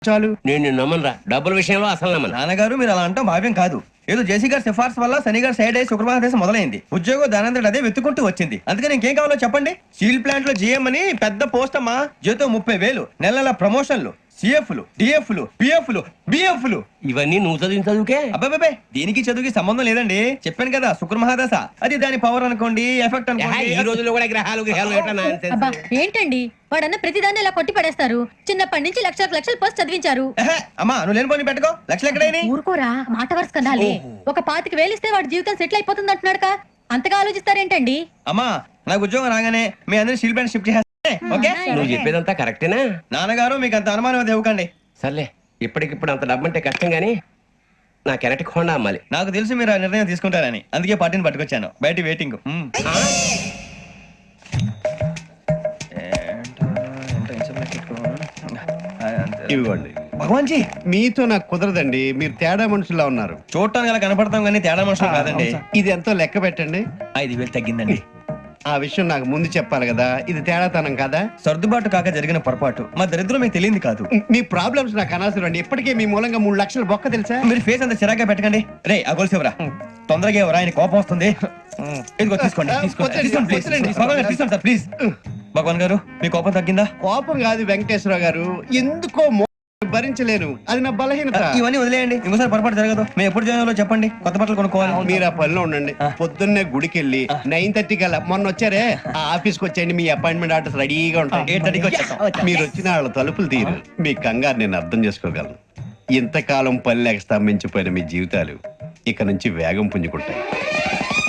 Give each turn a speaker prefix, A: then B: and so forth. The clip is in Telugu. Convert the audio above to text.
A: చాలు.
B: నేను నమ్మనరా, డబ్బుల విషయంలో అసలు నమ్మను.
C: నాన్నగారు మీరు అలా అంటాం భావ్యం కాదు. ఏదో జేసీ గారి సిఫార్సు వల్ల శని గారు సైడ్ అయ్యి శుక్రవారం మొదలైంది. ఉద్యోగం దానంతటి అదే వెతుకుంటూ వచ్చింది. అందుకని ఇంకేం కావాలో చెప్పండి. స్టీల్ ప్లాంట్ లో జీఎం అని పెద్ద పోస్ట్ అమ్మా. జీతం 30,000, నెల నెల ప్రమోషన్లు, సిఎఫ్లు, డిఎఫ్లు, పిఎఫ్లు, బిఎఫ్లు.
B: ఇవన్నీ నువ్వు చదివిన చదువుకే.
C: అబ్బాబే దీనికి చదువుకి సంబంధం లేదండి. చెప్పాను కదా శుక్ర మహాదశ. అది దాని పవర్ అనుకోండి, ఎఫెక్ట్
B: ఈ
C: అనుకోండి.
B: రోజుల్లో కూడా గ్రహాలు ఎట్లా nonsense?
D: అబ్బా ఏంటండి వాడన్న ప్రతిదాన్ని ఇలా కొట్టి పడేస్తారు. చిన్నప్పటి నుంచి లక్షలకు లక్షలు పోస్ట్ చదివించారు.
C: అమ్మా నువ్వు లేని పోనీ పెట్టుకో. లక్షలు ఎక్కడైనా
D: ఊరుకోరా, మాట వరుస కదాలే. ఒక 25,000 ఇస్తే వాడి జీవితం సెటిల్ అయిపోతుంది అంటున్నాడుగా. అంతగా ఆలోచిస్తారేంటండి?
C: అమ్మా నాకు ఉద్యోగం రాగానే మీ అందరినీ స్టీల్ ప్లాంట్ షిఫ్ట్ చేస్తే ఓకే.
B: నువ్వు చెప్పేదంతా కరెక్టేనా?
C: నాన్నగారు మీకు అంత అనుమానం అది ఇవ్వకండి.
B: సర్లే, ఇప్పటికిప్పుడు అంత డబ్బు అంటే కష్టం గానీ నా కెనటిక్ హోండా అమ్మాలి.
C: నాకు తెలుసు మీరు ఆ నిర్ణయం తీసుకుంటారని, అందుకే పార్టీని పట్టుకొచ్చాను. బయట వెయిటింగ్.
A: ఇవ్వండి.
C: భగవాన్ జీ
A: మీతో నాకు కుదరదండి. మీరు తేడా మనుషుల్లా ఉన్నారు.
C: చూడటానికి అలా కనపడతాం కానీ తేడా మనుషులు కాదండి.
A: ఇది ఎంతో లెక్క పెట్టండి.
C: 5,000 తగ్గిందండి.
A: ఆ విషయం నాకు ముందు చెప్పాలి కదా. ఇది తేడాతనం కదా.
C: సర్దుబాటు కాక జరిగిన పొరపాటు. మా దరిద్రం మీకు తెలియంది కాదు.
A: మీ ప్రాబ్లమ్స్ నాకు అనవసరం అండి. ఇప్పటికే మీ మూలంగా 3 లక్షలు బొక్క తెలుసా.
C: మీరు ఫేస్ అంత చిరాగ్గా పెట్టకండి. రే ఆ గొలుసు ఎవరా? తొందరగా ఎవరా? ఆయన కోపం వస్తుంది. ఇదిగో తీసుకోండి. తీసుకోండి ప్లీజ్. భగవాన్ గారు తీసుకోండి సార్ ప్లీజ్. భగవాన్ గారు మీ కోపం తగ్గిందా?
A: కోపం కాదు వెంకటేశ్వర గారు, ఎందుకో భరించలేను. అది నా బలహీనత.
C: ఇవన్నీ వదిలేయండి. ఇంకోసారి పొరపాటు జరగదు. మేము ఎప్పుడు జాయిన్ చెప్పండి. కొత్త బట్టలు కొనుక్కోవాలి.
A: మీరు ఆ పనిలో ఉండండి. పొద్దున్నే గుడికి వెళ్ళి 9:30 కల్లా, మొన్న వచ్చారే ఆ ఆఫీస్కి వచ్చేయండి. మీ అపాయింట్మెంట్ ఆర్డర్స్ రెడీగా ఉంటాయి.
C: 8:30కి వచ్చేస్తాం.
A: మీరు వచ్చిన వాళ్ళ తలుపులు తీరు. మీ కంగారు నేను అర్థం చేసుకోగలను. ఇంతకాలం పని లేక స్తంభించిపోయిన మీ జీవితాలు ఇక నుంచి వేగం పుంజుకుంటాయి.